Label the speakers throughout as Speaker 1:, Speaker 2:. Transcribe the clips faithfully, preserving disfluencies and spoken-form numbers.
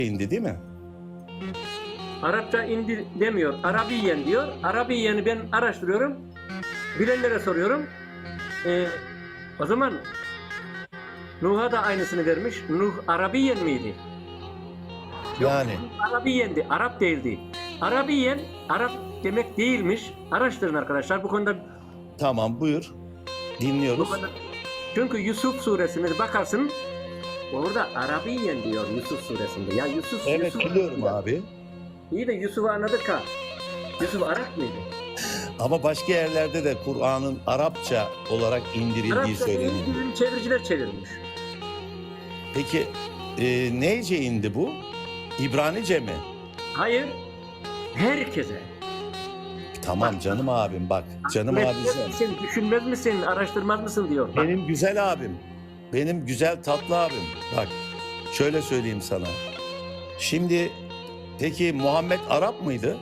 Speaker 1: indi değil mi?
Speaker 2: Arapça indi demiyor. Arabiyen diyor. Arabiyen'i ben araştırıyorum. Bilenlere soruyorum. Ee, o zaman Nuh'a da aynısını vermiş. Nuh Arabiyen miydi? Yok,
Speaker 1: Yani
Speaker 2: Arabiyendi. Arap değildi. Arabiyen Arap demek değilmiş. Araştırın arkadaşlar. Bu konuda
Speaker 1: tamam, buyur.
Speaker 2: bu
Speaker 1: Dinliyoruz.
Speaker 2: konuda çünkü Yusuf suresine bakarsın. Orada Arabiyen diyor Yusuf suresinde. Ya Yusuf
Speaker 1: Evet,
Speaker 2: Yusuf,
Speaker 1: biliyorum abi.
Speaker 2: İyi de Yusuf'u anladık ha. Yusuf Arap mıydı?
Speaker 1: Ama başka yerlerde de Kur'an'ın Arapça olarak indirildiği
Speaker 2: Arapça
Speaker 1: söyleniyor.
Speaker 2: değil, çeviriciler çevirmiş.
Speaker 1: Peki e, neyce indi bu? İbranice mi?
Speaker 2: Hayır. Herkese.
Speaker 1: Tamam
Speaker 2: Bak,
Speaker 1: canım abim bak. Canım
Speaker 2: Etmez
Speaker 1: abicim.
Speaker 2: misin, düşünmez misin, araştırmaz mısın diyor. Bak,
Speaker 1: Benim güzel abim. Benim güzel tatlı abim. Bak şöyle söyleyeyim sana. Şimdi peki Muhammed Arap mıydı?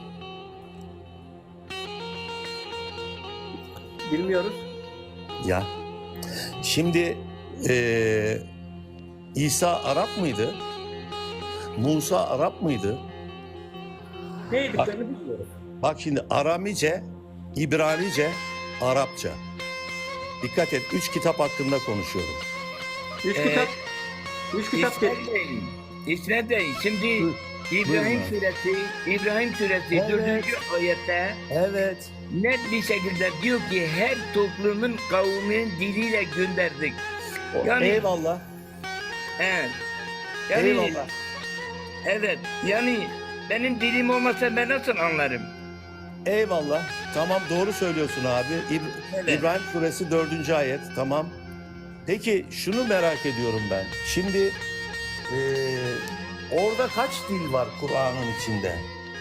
Speaker 2: bilmiyoruz.
Speaker 1: Ya. Şimdi e, İsa Arap mıydı? Musa Arap mıydı?
Speaker 2: Ne yediklerini bilmiyoruz.
Speaker 1: Bak şimdi Aramice, İbranice, Arapça. Dikkat et, üç kitap hakkında konuşuyorum.
Speaker 2: Üç
Speaker 3: Ee,
Speaker 2: kitap, üç kitap değil.
Speaker 3: İsmet Bey, İsmet Bey, şimdi
Speaker 1: Buyur.
Speaker 3: İbrahim
Speaker 1: Buyurun abi.
Speaker 3: suresi, İbrahim suresi
Speaker 1: Evet.
Speaker 3: dördüncü ayette
Speaker 1: Evet.
Speaker 3: net bir şekilde diyor ki her toplumun kavminin diliyle gönderdik. Yani
Speaker 1: Eyvallah.
Speaker 3: evet. Yani,
Speaker 1: Eyvallah.
Speaker 3: evet. Yani benim dilim olmasa ben nasıl anlarım?
Speaker 1: Eyvallah. Tamam, doğru söylüyorsun abi. İb-
Speaker 3: Evet.
Speaker 1: İbrahim suresi dördüncü ayet. Tamam. Peki şunu merak ediyorum ben. Şimdi eee, orada kaç dil var Kur'an'ın içinde?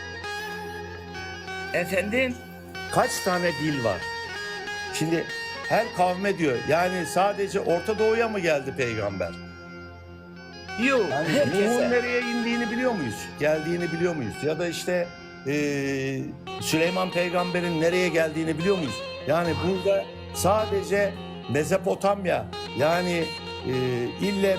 Speaker 3: Efendim?
Speaker 1: Kaç tane dil var? Şimdi her kavme diyor. Yani sadece Orta Doğu'ya mı geldi peygamber?
Speaker 3: Yok.
Speaker 1: Yani Nuh'un nereye indiğini biliyor muyuz? Geldiğini biliyor muyuz? Ya da işte eee, Süleyman peygamberin nereye geldiğini biliyor muyuz? Yani burada sadece Mezopotamya, yani eee ille